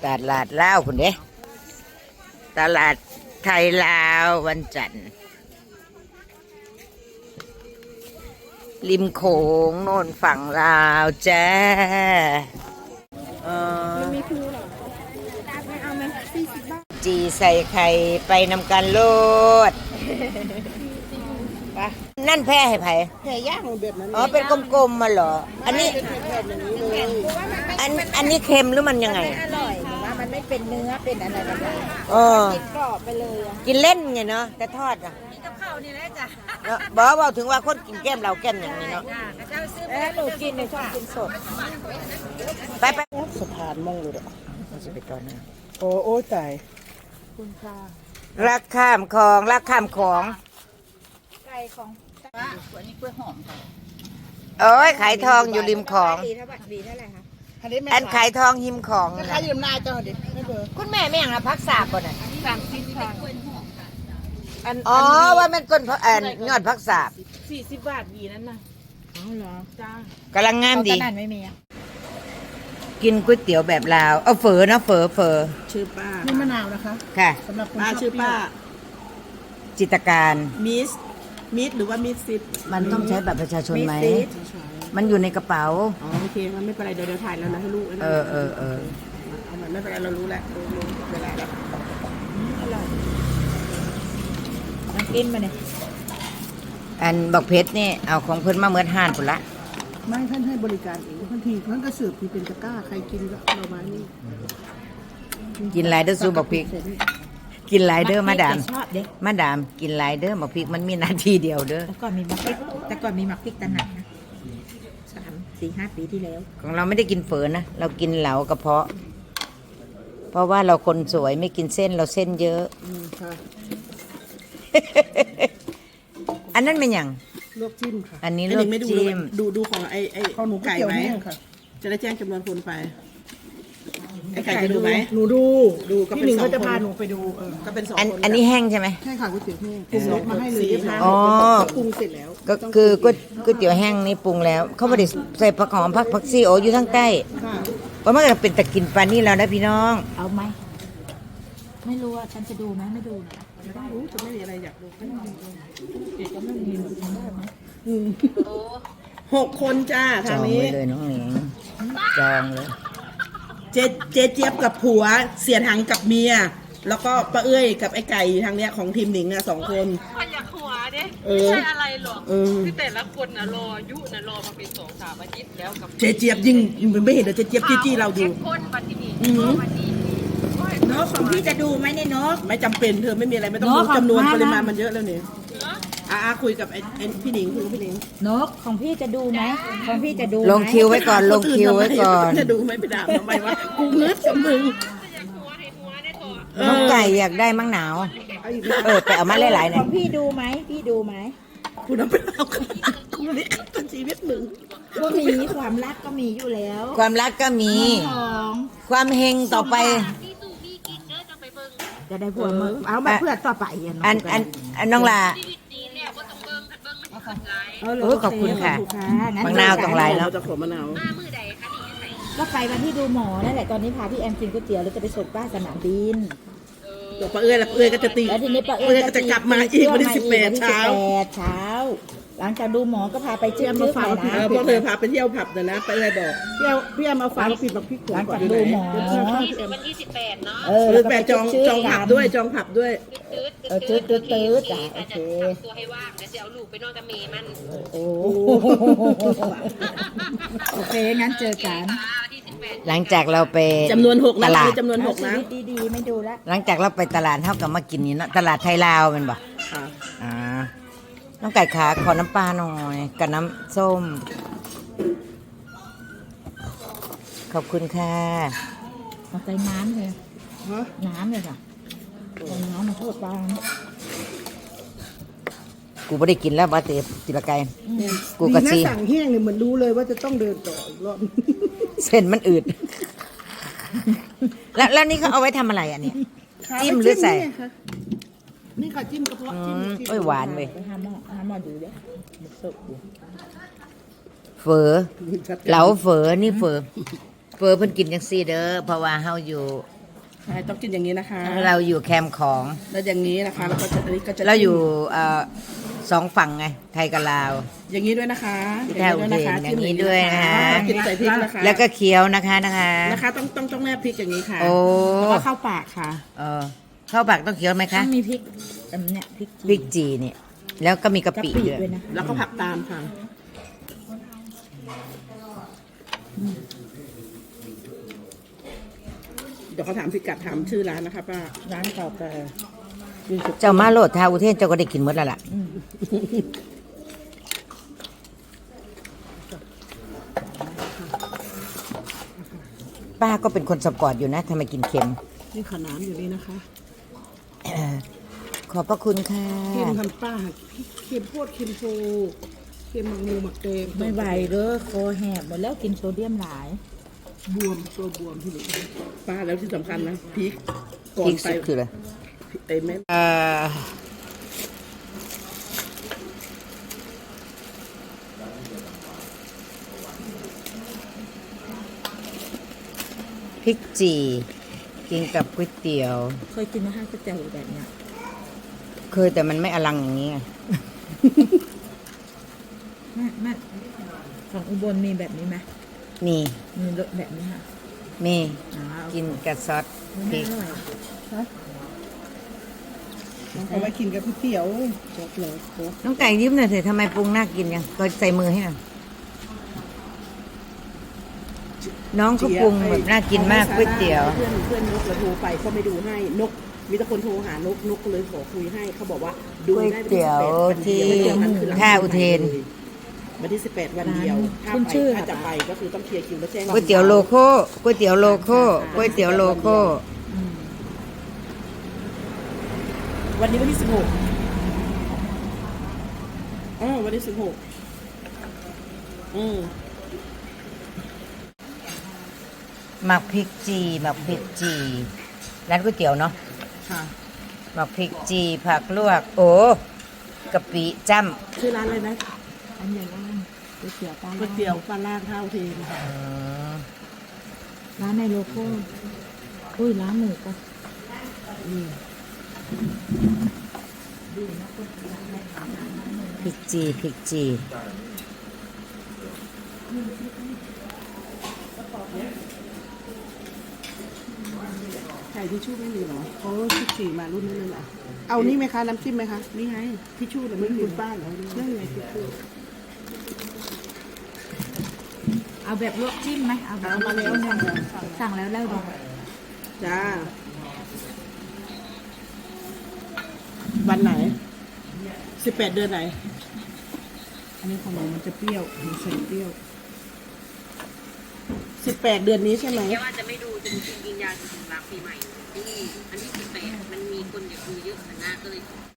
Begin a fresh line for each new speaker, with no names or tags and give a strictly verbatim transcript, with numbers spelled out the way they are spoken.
ตลาดลาวคุณเด้ตลาดไทยลาววันจันทร์ริมโขงโน่นฝั่งลาวจ้าเออจีใส่ไข่ไปนำกันโลดนั่นแพ้ให้ไผ่
แผ่ย่างแบบนั้น
อ๋อเป็นกลมๆมาเหรออันนี้อันอันนี้เค็มหรือมันยังไง
อร่อยว่ามันไม่เป็นเนื้อเป็นอะไรแบบนั้น
เออ
กินกรอบไปเลย
กินเล่นไงเนาะแต่ทอดอ่ะ
นี่กับข้าวนี่แหละจ้ะ
บอกว่าถึงว่าคนกินแก้มเราแก้มอย่างนี้เนาะ
เออหนูกินในชอบกินสด
ไปไป
สะพานมองเลย
เราจะไปตอนนั้น
โอ้โอ้ตายคุณค่ะ
รักข้ามคลองรักข้ามของ
ไก่ของว่าอันนี้กล้วยหอมค่ะ
โอ้ยขายทองอยู่ริมของ
ดีเท่าไหร่ดีเท่าไหร่คะ
อันขายทองหิมของ
นะขายอยู่นาเจ้าดิไม่เบอร์
คุณแม่ไม่อย่างละพักสาบก่อนอ่ะ
สามสิบค่ะ
อ๋อว่ามันก้นแอนยอดพักสาบ
สี่สิบบาทดีนั่นน่ะอ๋อเหรอจ้าก
ำลังงามดี
ตลาดไม่มี
กินก๋วยเตี๋ยวแบบลาวเอาเฝอนะเฝอเฝอ
ชื่อป้านี่มะนาวนะคะ
ค่ะ
สำหรับป้าชื่อป้า
จิตการ
มิสมิสหรือว่ามิสซิป
มันต้องใช้แบบประชาชนไหมมันอยู่ในกระเป๋า
อ๋อโอเคมันไม่เป็นไรเดี๋ยวเดี๋ยวถ่ายแล้วนะให้ลูก
เออเออเออ
เอามันไม่เป็นไรเรารู้แล้วรู้เวลาแล้วอร่อยน้ำกินมาเนี่ย
อันบอกเพชรนี่เอาของเพิ่นมาเมื่อห่านพุ่นละ
ไม่ท่านให้บริการเองทันทีท่านก็เสิร์ฟที่เป็นตะกร้าใครกินก็เรามานี่
กินไรเดอร์ซูบอกพริกกินไรเดอร์มาดามมาดามกินไรเดอร์บอกพริกมันมีนาทีเดียวเด้อ
แต่ก่อนมีมักพริกแต่ก่อนมีมักพริกตะหนักนะสามสี่ห้าปีที่แล้ว
ของเราไม่ได้กินเฝอนะเรากินเหลากระเพาะเพราะว่าเราคนสวยไม่กินเส้นเราเส้นเยอะอันนั้นเป็นอย่าง
ลวกจิ้มค่ะ
อันนี้ลวกจิ้ม
ดูดูของไอ้ไอ้ข้าวหมูไก่ไหมจะได้แจ้งจำนวนคนไปไอ้ไก่จะดูไหมหนูดูดูก็เป็นสองคนจะพาหนูไปดูเออก็เป็นสองคน
อันนี้แห้งใช่ไหม
ใช่ค่ะก๋วยเตี๋ยวแห้งปรุงรสมาให้เลย
อ๋อ
ปรุงเสร็จแล้ว
ก็คือก๋วยเตี๋ยวแห้งนี่ปรุงแล้วเขาไม่ได้ใส่ผักหอมผักผักซีโออยู่ทั้งใต้เพราะมันก็เป็นตะกินปลานี่แล้วนะพี่น้อง
เอาไหมไม่รู้ว่าฉันจะดูไหมไม่ดูนะไม่ต้องรู้จะไม่มีอะไรอยากดูไม่ต้องดูจะไม่มีได้ไหมหกคนจ้าทางนี้
จองเลยน้องหนิงจองเลย
เจเจเจี๊ยบกับผัวเสียถังกับเมียแล้วก็ป้าเอ้ยกับไอ้ไก่ทางเนี้ยของทีมหนิงอ่ะสองคน
มันอยากหัวเด้ไม่ใช่อะไรหรอกคือแต่ละคนน่ะรอยุน่ะรอมาเป็นสองสามอาทิตย์แล้วกับ
เจเจี๊ยบยิ่งไม่เห็นเดี๋ยวเจเจี๊ยบจี้จี้เราดู
คนปฏิทินปฏิทิน
นกของพี่จะดูไหมเนี่ยนกไม่จำเป็นเธอไม่มีอะไรไม่ต้องรู้จำนวนปริมาณมันเยอะแล้วเนี่ยอาคุยกับไอ้พี่หนิงคุยกับพี่หนิง
นกของพี่จะดูไหมของพี่จะดู
ลงคิวไว้ก่อนลงคิวไว้ก่อน
จะดูไหมไปด่าทำไมวะกูเงือกกับมึง
น้องไก่อยากได้มั้งหนาวเออไปเอามาหลายๆหน่อย
ของพี่ดูไหมพี่ดูไหม
กูน้ำไปเอากูนี่ตันชีวิตมึง
ก็มีความรักก็มีอยู่แล้ว
ความรักก็มีความเฮงต่อไป
จะได้ผัวมึงเอามาเพื่อต่อไป
อันอันอันน้องลาโอ้ขอบคุณค่ะมะนาวตรงไรแล้ว
จะขอมะนาว
ก็ไปวันที่ดูหมอนั่นแหละตอนนี้พาพี่แอมกินก๋วยเตี๋ยวแล้วจะไปส่งป้าสนามบิน
ตัวป้าเอ้ยแล้วป้าเอ้ยก็จะตี
แล้วทีนี้ป้าเอ้
ยก็จะกลับมาอีกวันที่สิบแปดเช้า
เช้าหลังจากดูหมอก็พาไปเชื่อม
มาฟังนะพวกเธอพาไปเที่ยวผับนะนะไปเลยบอกเที่ยวพี่แอมเอาฟังปิดแบบพี่
หลังจากดูหมอ
วันที่สิบแปดเนาะ
เออแปดจองจองผับด้วยจองผับด้วย
เออตืดตืดตืดจ้ะโอเค
ตัวให้ว่างเดี๋ยวจะเอาลูกไปนอนกับเมย์มัน
โอ้โอเคงั้นเจอกัน
หลังจากเราไป
จำนวนหกตลาดจำนวนหกนะ
ดีๆไม่ดูแล
หลังจากเราไปตลาดเท่ากับมากินนี่เนาะตลาดไทยลาวเป็นบ่อ่าน้องไก่ขาขอน้ำปลาหน่อยกับน้ำส้มขอบคุณค่ะ
มาใส่น้ำเลยน้ำเลยค่ะน้ำมาโทษปลา
กูไม่ได้กินแล้วบาเตะติละไก่กูกะชี
สั่งแห้งเนี่ยเหมือนรู้เลยว่าจะต้องเดินต่ออีกรอบ
เส้นมันอืดแล้วแล้วนี่เขาเอาไว้ทำอะไรอ่ะเนี่ยจิ้มหรือใส่
นี่ค่ะจิ้มกระเพาะจิ้ม
โอ้ยหวานเว้ย
ห้ามห้ามดูเด้
เฝอเหลาเฝอนี่เฝอเฝอเพิ่นกินจังซี่เด้อเพราะว่าเฮาอยู่
ใช่ต้องกินอย่างนี้นะคะ
เราอยู่แคมป์ของ
แล้วอย่างนี้นะคะแล้วก็จะอันนี้ก็จะ
เราอยู่เอ่อสองฝั่งไง ไทยกับลาว
อย่างนี้ด้วยนะคะ
แถวเด่นอย่างนี้ด้วยนะคะ
กินใส่พริกนะคะ
แล้วก็เคี้ยวนะคะนะคะ
นะคะต้องต้องต้องแนบพริกอย่างนี้ค่ะ
โอ้
แล้วก็เข้าปากค่ะ
เออข้าวปากต้องเคี้ยวไหม
ต้
คะ
องมีพริกอันเนี้ยพริก
พริกจีเนี่ย แล้วก็มีกะ
กะ
ปิ
ปิ
ด้วย
ด้วยนะคะ
แล้วก็ผักตามค่ะเดี๋ยวเขาถามพิกัดถามชื่อร้านนะคะป้า
ร้านเก่าแก่
เจ้ามาโลดทาอุเทนเจ้าก็ได้กินหมดแล้วล่ะ ป้าก็เป็นคนสปอร์ตอยู่นะทำไมกินเค็ม
นี่ขนามอยู่นี่นะคะ
ขอบพระคุณค่ะ
เค็มทันป้าเค็มโพดเค็มโพเค็มมังงูหมักเตง
ไม่ไหวเด้อคอแหบหมดแล้วกินโซเดียมหลาย
บวมตัวบวมที่นี่ป้าแล้วที่สำคัญนะพริกก่อ
พริ
น
ก
ไป
สุดคืออะไร
ไอ้แม่
เอ่อพริกจีกินกับก๋วยเตี๋ยว
เคยกินมาให้ก๋วยเตี๋ยวแบบเนี้ย
เคยแต่มันไม่อลังอย่างนี้ไง
แม่แม่ของอุบลมีแบบนี้ไหม
มี
มีรสแบบนี้ค่ะ
มี
อ๋อ
กินกับซอสพริ
ไม่
ก
อร่อย
เอาไว้กินกับก๋วยเตี๋ยวจบเลยโอ้
น้องไก่ยิ้มหน่อยเถอะทำไมปรุงน่ากินยังก็ใส่มือให้หน่อยน้องเขาปรุงแบบน่ากินมากก๋วยเตี๋ยว
เพื่อนเพื่อนนกเราโทรไปเขาไม่ดูให้นกมีแต่คนโทรหานกนกก็เลยขอคุยให้เขาบอกว่าดู
ก๋วย
ได้
เตี๋ยวที่ท่าอุเทน
วันที่สิบแปดวันเดียวถ้า
คุณ
ไป
ชื่อ
ถ้าจะไปก็คือต้องเคลียร์คิวแล้วแจ้ง
ก๋วยเตี๋ยวโลโก้ก๋วยเตี๋ยวโลโก้ก๋วยเตี๋ยวโลโก้
อืม
วันนี้วันที่สิบหกอ๋อวันที่สิบหกอืม
หมักพริกจีหมักพริกจีร้านก๋วยเตี๋ยวเนาะ
ค่ะ
หมักพริกจีผักลวก โอ้กะปิจ้
ชื่อร้านอะไรนะ
อันใหญ่ร้านก๋วยเตี๋ยวปลา
ก๋วยเตี๋ยวปลาล่างท่าอุเทนค่ะ
ำอืม
ร้านในโลโก้อุ้ยร้านหมูก็
พริกจีพริกจี
ไข่ทิชชู่ไม่มีเหรอเขาชิคสี่มารุ่นนี้เลยเหรอเอานี่ไหมคะน้ำจิ้มไหมคะนี่ไงทิชชู่แต่ไม่มีบ้านเหรอนั่นไงทิชชู่
เอาแบบลวกจิ้มไหมเอาแบบ
เอามาแล้ว
จิ้
สั่งแล้ว
สั่งแล้วแล้วดู
จ้าวันไหนสิบแปดเดือนไหน อันนี้ของหนูมันจะเปรี้ยวหนูใส่เปรี้ยวสิบแปดเดือนนี้ใช่ไหม
เดี๋ยวอาจจะไม่ดูจนจริงๆยิงยาจนถึงหลังปีใหม่ที่อันที่สิบแปดมันมีคนอยากดูเยอะนะก็เลย